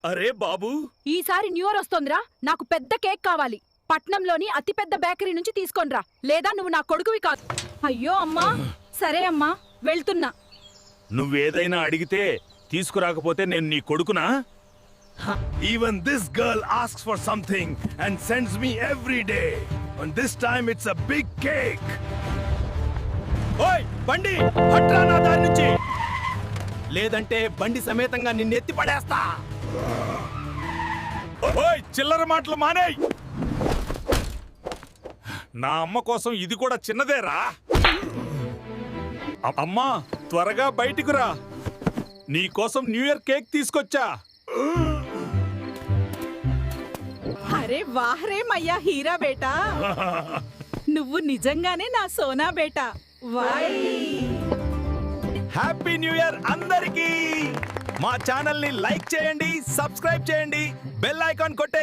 అరే బాబు, ఈసారి new year వస్తోందిరా, నాకు పెద్ద కేక్ కావాలి. పట్నంలోని అతిపెద్ద బేకరీ నుంచి తీసుకొనిరా, లేదా నువ్వు నా కొడుకువి కాదు. అయ్యో అమ్మా. సరే అమ్మా, వెళ్తున్నా. నువ్వేదైనా అడిగితే తీసుకురాకపోతే నేను నీ కొడుకునా? Even this girl asks for something and sends me every day. And this time it's a big cake. ఓయ్ బండి, హట్రా నా దారి నుంచి, లేదంటే బండి సమేతంగా నిన్ను ఎత్తి పడేస్తా. ఓయ్ చిల్లర మాటలు మానేయ్. నా అమ్మ కోసం ఇది కూడా చిన్నదేరా. అమ్మా త్వరగా బయటికి రా, నీ కోసం న్యూ ఇయర్ కేక్ తీసుకొచ్చా. అరే వాహ్ రే మయ్యా హీరా బేటా, నువ్వు నిజంగానే నా సోనా బేటా. హ్యాపీ న్యూ ఇయర్ అందరికీ. మా ఛానల్ ని లైక్ చేయండి, సబ్స్క్రైబ్ చేయండి, బెల్ ఐకాన్ కొట్టే